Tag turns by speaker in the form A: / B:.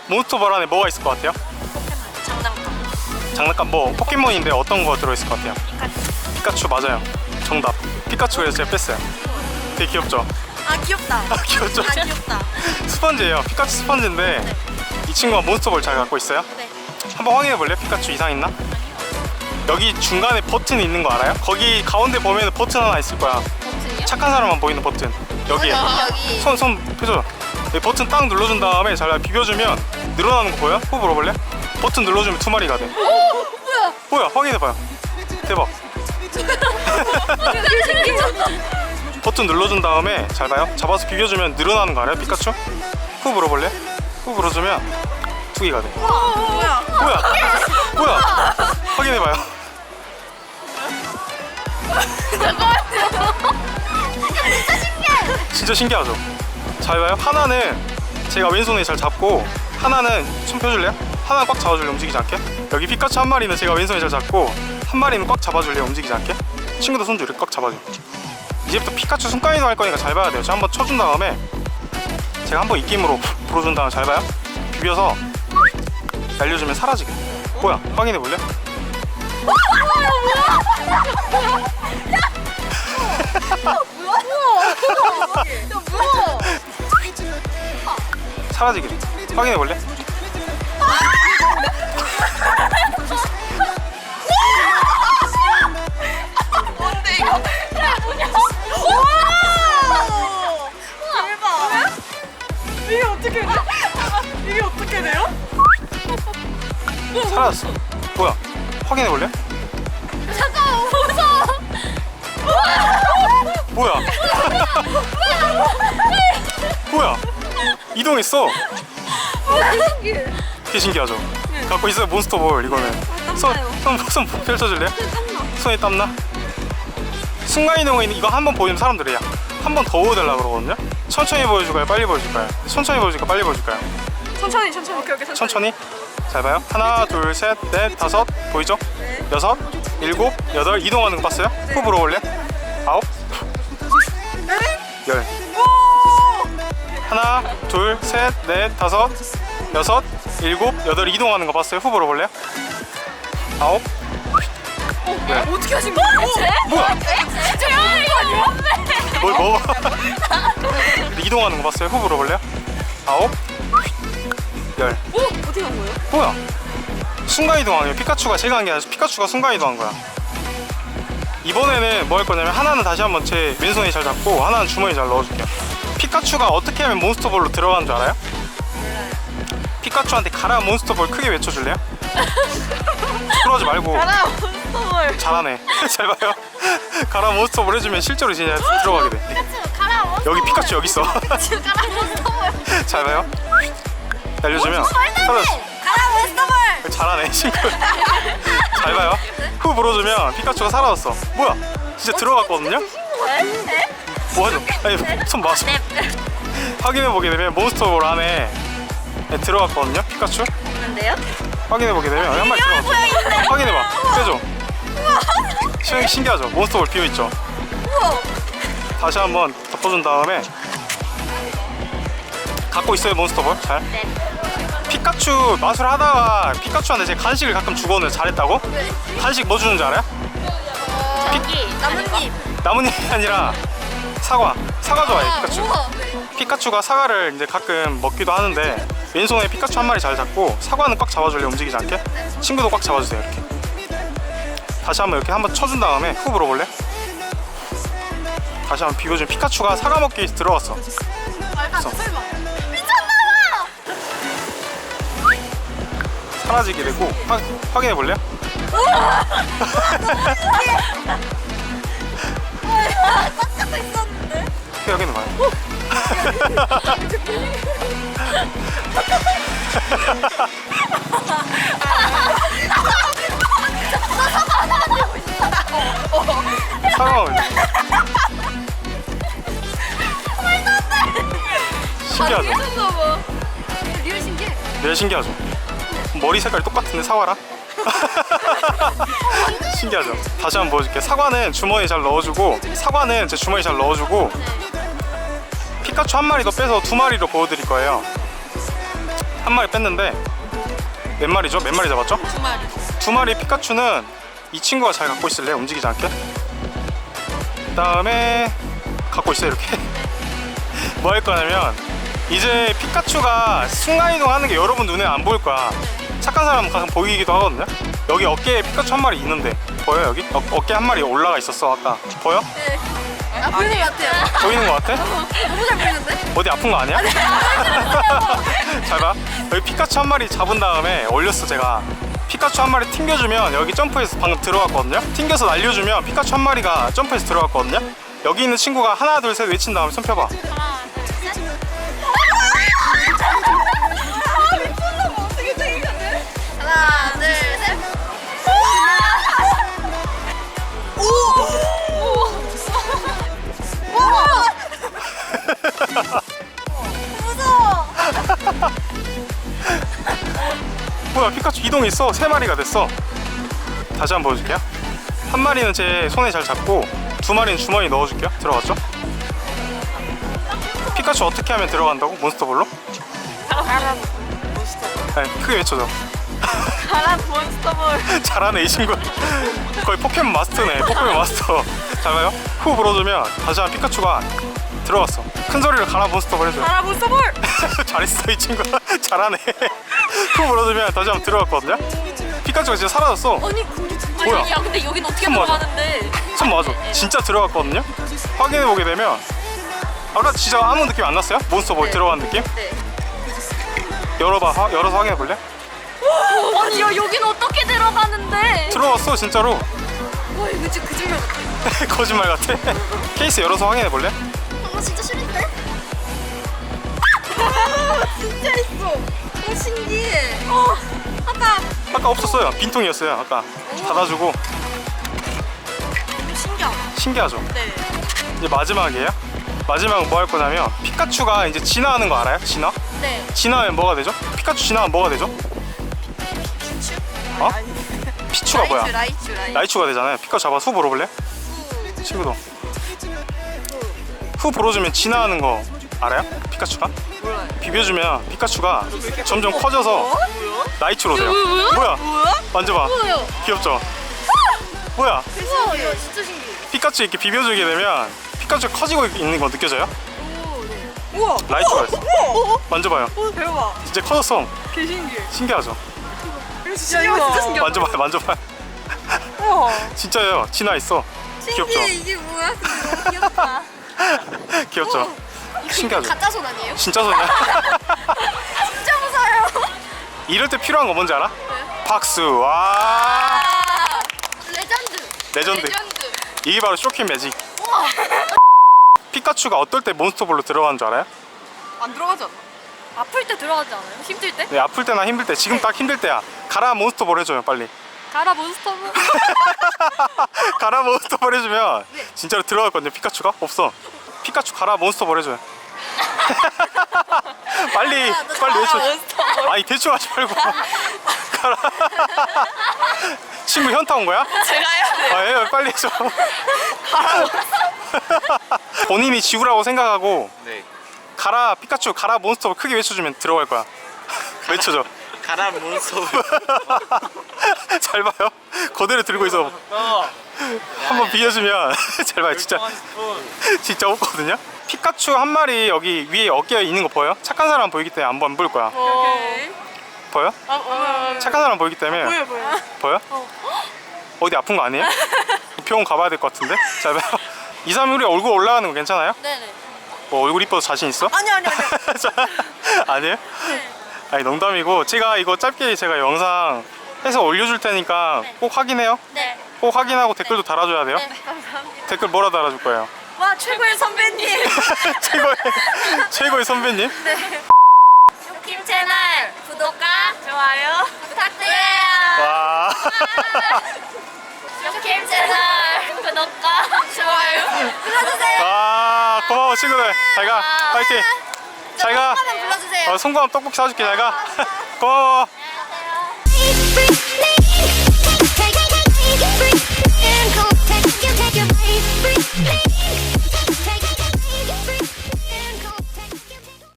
A: 몬스터볼 안에 뭐가 있을 것 같아요?
B: 장난감.
A: 장난감 뭐 포켓몬인데 어떤 거 들어있을 것 같아요? 피카츄 맞아요. 정답. 피카츄 그래서 제가 뺐어요. 되게 귀엽죠?
B: 아 귀엽다.
A: 귀엽죠?
B: 아 귀엽다.
A: 스펀지예요. 피카츄 스펀지인데
B: 네.
A: 이 친구가 몬스터볼 잘 갖고 있어요?
B: 네.
A: 한번 확인해 볼래요? 피카츄 이상 있나? 여기 중간에 버튼이 있는 거 알아요? 거기 가운데 보면 버튼 하나 있을 거야.
B: 버튼이요?
A: 착한 사람만 보이는 버튼. 여기에
B: 여기.
A: 손 펴줘. 여기 버튼 딱 눌러준 다음에 잘 비벼주면 늘어나는 거 보여? 호 물어볼래? 버튼 눌러주면 2마리가 돼. 뭐야? 확인해봐요. 대박. 버튼 눌러준 다음에 잘 봐요. 잡아서 비벼주면 늘어나는 거 알아요? 피카츄? 후 물어볼래? 후 물어주면 2개가 돼.
B: 뭐야?
A: 뭐야? 뭐야? 확인해봐요. 진짜 신기하죠? 잘 봐요. 하나는 제가 왼손에 잘 잡고 하나는 손 펴줄래요? 하나는 꽉 잡아줄래? 움직이지 않게. 여기 피카츄 한 마리는 제가 왼손에 잘 잡고 한 마리는 꽉 잡아줄래요? 움직이지 않게. 친구도 손 줘. 이렇게 꽉 잡아줘. 이제부터 피카츄 손가락이동 할 거니까 잘 봐야 돼요. 제가 한번 쳐준 다음에 제가 한번 입김으로 불어준 다음에 잘 봐요. 비벼서 날려주면 사라지게. 뭐야? 확인해 볼래? 사라지게 돼. 확인해 볼래?
B: 뭔데 이거? 뭐냐? 대박.
C: 이게 어떻게 돼? 이게 어떻게 돼요?
A: 사라졌어. 뭐야? 확인해 볼래?
B: 잠깐만 무서워.
A: 뭐야? 뭐야? 이동했어. 되게 신기하죠? 갖고 있어요 몬스터볼 이거는. 손 펼쳐줄래요? 손에 땀나? 순간이동에 있는 이거 한번 보여주면 사람들이 한 번 더 보여달라고 그러거든요? 천천히 보여줄까요? 빨리 보여줄까요? 천천히 보여줄까요? 빨리 보여줄까요?
C: 천천히. 오케이.
A: 천천히. 잘 봐요. 하나, 둘, 셋, 넷, 다섯. 보이죠? 여섯, 일곱, 여덟. 이동하는 거 봤어요? 후 물어볼래? 아홉, 열. 하나, 둘, 셋, 넷, 다섯, 여섯, 일곱, 여덟. 이동하는 거 봤어요? 후 물어볼래요? 아홉, 열.
C: 어떻게 하신 거예요?
A: 뭐야?
B: 제가 이거 뭔데?
A: 뭘 먹어? 이동하는 거 봤어요? 후 물어볼래요? 아홉, 열.
C: 어떻게 한 거예요?
A: 뭐야? 순간이동 아니에요. 피카츄가 제가 한 게 아니라 피카츄가 순간이동 한 거야. 이번에는 뭐 할 거냐면 하나는 다시 한번 제 왼손에 잘 잡고 하나는 주머니에 잘 넣어줄게요. 피카츄가 어떻게 하면 몬스터볼로 들어가는 줄 알아요? 피카츄한테 가라 몬스터볼 크게 외쳐줄래요? 그러지 말고.
C: 가라 몬스터볼.
A: 잘하네. 잘 봐요. 가라 몬스터볼 해주면 실제로 진짜 들어가게 돼.
B: 가라 몬스터.
A: 여기 피카츄 여기 있어.
B: 가라 몬스터.
A: 잘 봐요. 날려주면 사라졌어.
B: 가라 몬스터.
A: 잘하네 친구. 잘 봐요. 후 불어주면 피카츄가 사라졌어. 뭐야? 진짜 들어갔거든요? 뭐하죠? 아니 손 맞아. 확인해보게 되면 몬스터볼 안에 들어갔거든요? 피카츄?
B: 뭔데요?
A: 확인해보게 되면 한 마리 들어갔어. 확인해봐. 빼줘. 신기하죠? 몬스터볼 비어있죠? 다시 한번 덮어준 다음에 갖고 있어요 몬스터볼? 잘?
B: 네.
A: 피카츄 마술하다가 피카츄한테 제 간식을 가끔 주거든요. 잘했다고? 간식 뭐 주는지 알아요?
B: 여기 나뭇잎.
A: 나뭇잎이 아니라 사과 좋아해 피카츄.
B: 우와.
A: 피카츄가 사과를 이제 가끔 먹기도 하는데 왼손에 피카츄 한 마리 잘 잡고 사과는 꽉 잡아줄래? 움직이지 않게? 친구도 꽉 잡아주세요. 이렇게 다시 한번 이렇게 한번 쳐준 다음에 후 물어볼래? 다시 한번 비벼주면 피카츄가 사과 먹기 위해서 들어갔어.
B: 설마.
A: 사라지게 되고 확인해 볼래요?
B: 꽉 잡고 있었는데.
A: 확인해 봐요. 사과를 신기하죠?
B: 리얼 신기해.
A: 네 신기하죠? 머리 색깔이 똑같은데 사과랑? 신기하죠? 다시 한번 보여줄게. 사과는 주머니에 잘 넣어주고 사과는 제 주머니에 잘 넣어주고 피카츄 한 마리 더 빼서 2마리로 보여드릴 거예요. 한 마리 뺐는데 몇 마리죠? 몇 마리 잡았죠?
B: 2마리.
A: 2마리 피카츄는 이 친구가 잘 갖고 있을래? 움직이지 않게. 그 다음에 갖고 있어요 이렇게. 뭐 할 거냐면 이제 피카츄가 순간이동 하는 게 여러분 눈에 안 보일 거야. 착한 사람은 가끔 보이기도 하거든요. 여기 어깨에 피카츄 한 마리 있는데 보여 여기? 어깨 한 마리 올라가 있었어 아까. 보여?
B: 네. 아, 보이는 것 같아요.
A: 보이는 거 같아?
B: 너무 잘 보이는데?
A: 어디 아픈 거 아니야? 잘 봐. 여기 피카츄 한 마리 잡은 다음에 올렸어 제가. 피카츄 한 마리 튕겨주면 여기 점프해서 방금 들어갔거든요. 튕겨서 날려주면 피카츄 한 마리가 점프해서 들어갔거든요. 여기 있는 친구가 하나 둘 셋 외친 다음에 손 펴봐.
B: 하나, 둘, 셋. 미쳤나봐. 어떻게 생각하네? 하나, 둘, 셋. 무서워.
A: 뭐야 피카츄 이동했어. 3마리가 됐어. 다시 한번 보여줄게요. 한 마리는 제 손에 잘 잡고 2마리는 주머니에 넣어줄게요. 들어갔죠? 피카츄 어떻게 하면 들어간다고? 몬스터볼로?
C: 가라 몬스터.
A: 네, 크게 외쳐줘.
C: 가라 몬스터볼.
A: 잘하네 이 친구. 거의 포켓몬 마스터네. 포켓몬 마스터. 잘 봐요. 후 불어주면 다시 한 피카츄가 들어갔어. 큰 소리를 가라 몬스터볼 해줘요.
C: 가라 몬스터볼.
A: 잘했어 이 친구. 잘하네. 후 불어주면 다시 한번 들어갔거든요. 피카츄가 진짜 사라졌어.
B: 아니, 근데 진짜.
A: 뭐야?
C: 야 근데 여긴 어떻게
A: 손 맞아.
C: 들어가는데?
A: 손 맞아. 진짜 들어갔거든요. 확인해보게 되면 아까 진짜 아무 느낌 안 났어요? 몬스터볼 들어간 느낌?
B: 네.
A: 열어봐. 열어서 확인해볼래?
C: 아니 야 여긴 어떻게 들어가는데?
A: 들어갔어 진짜로.
B: 와, 이거 진짜 거짓말 같아.
A: 거짓말 같아. 케이스 열어서 확인해볼래?
B: 진짜 싫은데? 진짜 있어. 신기해.
A: 아까 없었어요. 빈통이었어요 아까. 닫아주고.
B: 신기하다.
A: 신기하죠?
B: 네.
A: 이제 마지막이에요. 마지막은 뭐 할 거냐면 피카츄가 이제 진화하는 거 알아요? 진화?
B: 네.
A: 진화하면 뭐가 되죠? 피카츄 진화하면 뭐가 되죠?
B: 피추?
A: 어? 피추가 뭐야?
B: 라이츄.
A: 라이츄가 되잖아요. 피카츄 잡아서 후 불어볼래? 친구도 후 불어주면 진화하는 거 알아요? 피카츄가?
C: 몰라요.
A: 비벼주면 피카츄가 점점 커져서 라이츄로 돼요. 뭐야? 만져봐.
B: 뭐예요?
A: 귀엽죠? 뭐야?
B: 우와, 이거 진짜 신기해.
A: 피카츄 이렇게 비벼주게 되면 피카츄 커지고 있는 거 느껴져요?
C: 우와.
A: 라이츄가 있어. 만져봐요.
C: 대박.
A: 이제 커졌어.
C: 개 신기해.
A: 신기하죠?
C: 진짜 진짜 신기하다.
A: 만져봐요. 만져봐요.
C: 우와.
A: 진짜예요. 진화 있어. 귀엽죠?
B: 신기해. 이게 뭐야? 근데 너무 귀엽다.
A: 귀엽죠? 신기하죠?
B: 가짜 손 아니에요?
A: 진짜 소냐?
B: 진짜 무서워요.
A: 이럴 때 필요한 거 뭔지 알아? 박수. 와. 레전드. 이게 바로 쇼킹 매직.
B: 우와.
A: 피카츄가 어떨 때 몬스터볼로 들어가는 줄 알아요?
C: 안 들어가지 않나? 아플 때 들어가지 않아요? 힘들 때?
A: 네, 아플 때나 힘들 때. 지금 딱 힘들 때야. 가라 몬스터볼 해줘요 빨리.
C: 가라 몬스터볼.
A: 가라 몬스터볼 해주면 진짜로 들어갔거든요. 피카츄가 없어. 피카츄 가라 몬스터볼 해줘요. 빨리 외쳐.
C: 몬스터볼.
A: 아니 대충 하지 말고. 가라. 친구 현타 온 거야?
C: 제가 해야 돼요.
A: 아, 예, 빨리 해줘. 본인이 지우라고 생각하고
D: 네.
A: 가라 피카츄 가라 몬스터볼 크게 외쳐주면 들어갈 거야. 외쳐줘.
D: 가라 몬스터.
A: 잘 봐요. 그대로 들고 있어. 한번 비워주면 잘 봐요. 진짜 없거든요. 피카츄 한 마리 여기 위에 어깨에 있는 거 보여요? 착한 사람 보이기 때문에 안 보일 거야.
C: 오케이.
A: 보여? 착한 사람 보이기 때문에
C: 보여.
A: 보여? 어디 아픈 거 아니에요? 병원 가봐야 될 것 같은데? 잘 봐요. 2, 3일에 얼굴 올라가는 거 괜찮아요?
B: 네네.
A: 뭐 얼굴 이뻐서 자신 있어?
B: 아니.
A: 아니에요? 아니 농담이고 제가 이거 짧게 제가 영상 해서 올려줄 테니까 꼭 확인해요.
B: 네.
A: 꼭 확인하고 댓글도 달아줘야 돼요.
B: 네. 감사합니다.
A: 댓글 뭐라 달아줄 거예요?
B: 와, 최고의 선배님.
A: 최고의 선배님?
B: 쇼킴 채널 구독과
C: 좋아요.
B: 부탁드려요.
A: 와.
B: 쇼킴 채널 구독과 좋아요 눌러주세요.
A: 아 고마워 친구들. 잘가. 파이팅. 잘가.
B: 한번 불러주세요.
A: 송구함 떡볶이 사줄게. 잘가. 고마워.
E: Take your break.